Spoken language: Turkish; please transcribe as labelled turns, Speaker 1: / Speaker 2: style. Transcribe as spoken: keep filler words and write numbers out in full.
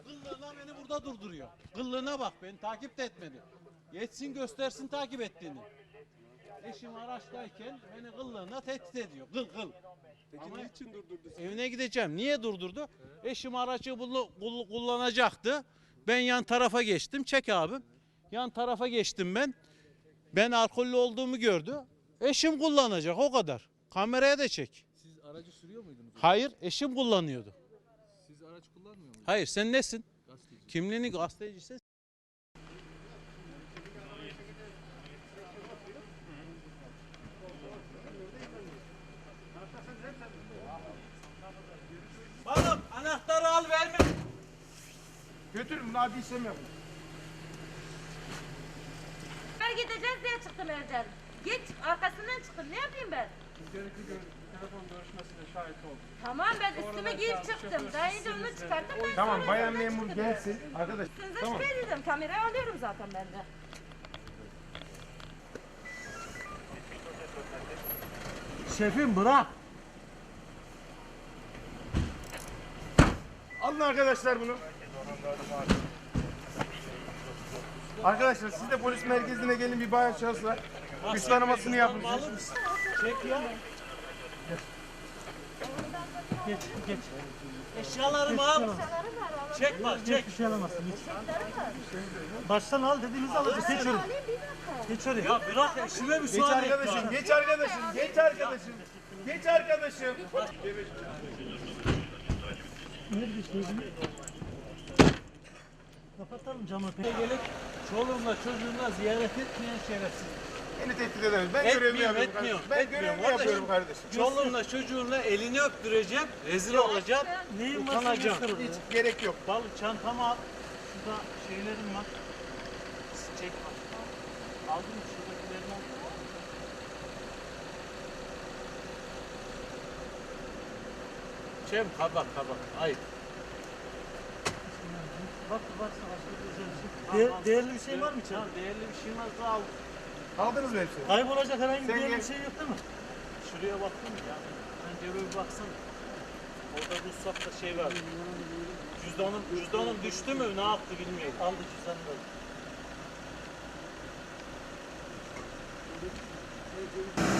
Speaker 1: Kıllığına beni burada durduruyor. Kıllığına bak, beni takip de etmedi. Yetsin göstersin takip ettiğini. Eşim araçtayken beni kıllığına tehdit ediyor. Kıl kıl.
Speaker 2: Peki
Speaker 1: Ama
Speaker 2: niçin durdurdu sizi?
Speaker 1: evine gideceğim. Niye durdurdu? Evet. Eşim aracı kullanacaktı. Ben yan tarafa geçtim. Çek abim. Yan tarafa geçtim ben. Ben alkollü olduğumu gördü. Eşim kullanacak, o kadar. Kameraya da çek.
Speaker 2: Siz aracı sürüyor muydunuz?
Speaker 1: Hayır, eşim kullanıyordu.
Speaker 2: Siz araç kullanmıyor muydunuz?
Speaker 1: Hayır, sen nesin?
Speaker 2: Gazeteci.
Speaker 1: Kimliğini gazeteciysen. Oğlum anahtarı al, verme.
Speaker 3: Götürün bunu, hadi işlem yapın.
Speaker 4: Ben gideceğiz diye çıktım evden. Geç arkasından çıktım. Ne yapayım ben?
Speaker 5: Gerekli gör telefon görüşmesine şahit oldum.
Speaker 4: Tamam ben üstüme giyip çıktım. Daha önce onu çıkarttım. Ben
Speaker 3: Tamam,
Speaker 4: sonra
Speaker 3: bayan
Speaker 4: evden
Speaker 3: memur
Speaker 4: çıktım.
Speaker 3: gelsin. Arkadaş,
Speaker 4: Size
Speaker 3: tamam.
Speaker 4: şüphe edeceğim. Kamerayı alıyorum zaten ben de.
Speaker 1: Şefim bırak.
Speaker 3: Alın arkadaşlar bunu. Arkadaşlar siz de polis merkezine gelin, bir bayan şahıs var. Üst tanımasını yapın.
Speaker 1: Çek ya. Geç, geç. Eşyalarımı al. Çek bak, çek.
Speaker 6: Bir şey alamazsın. Geç. Baştan al dediğimizi alacağız. Geç oraya. Geç oraya.
Speaker 1: Ya bırak, eşime
Speaker 3: Geç
Speaker 1: müsaade et.
Speaker 3: arkadaşım, geç arkadaşım, geç arkadaşım. Geç arkadaşım.
Speaker 6: Nerede işte? Kapatalım camı.
Speaker 1: Gelip çoluğumla çocuğumla ziyaret etmeyen şerefsiz.
Speaker 3: Beni tehdit edemez. Ben görevimi
Speaker 1: Etmiyorum,
Speaker 3: yapıyorum
Speaker 1: etmiyorum.
Speaker 3: kardeşim. Ben
Speaker 1: etmiyorum
Speaker 3: görevimi yapıyorum
Speaker 1: kardeşim.
Speaker 3: kardeşim.
Speaker 1: Çoluğumla çocuğumla elini öptüreceğim, rezil olacağım,
Speaker 6: Neyin varsa
Speaker 1: utanacağım.
Speaker 6: göster oraya.
Speaker 3: Hiç gerek yok.
Speaker 6: Bal çantamı al. Şurada şeylerim var. Çek bak. Aldın mı şuradakilerini al.
Speaker 1: Çem kabak kabak, ayıp.
Speaker 6: Bak varsa başka bir özel bir şey. Değer- değerli bir şey var mı içeride?
Speaker 1: Tamam, değerli bir şey varsa al.
Speaker 3: Aldınız mı hepsini?
Speaker 6: Kaybolacak herhangi bir
Speaker 3: Sen
Speaker 6: değerli
Speaker 3: gel.
Speaker 6: bir şey yok değil mi?
Speaker 1: Şuraya baktın ya. Pencereye bir baksana. Orada ruhsatta şey var. Cüzdanım, cüzdanım düştü mü ne yaptı bilmiyorum.
Speaker 6: Aldı cüzdanını da.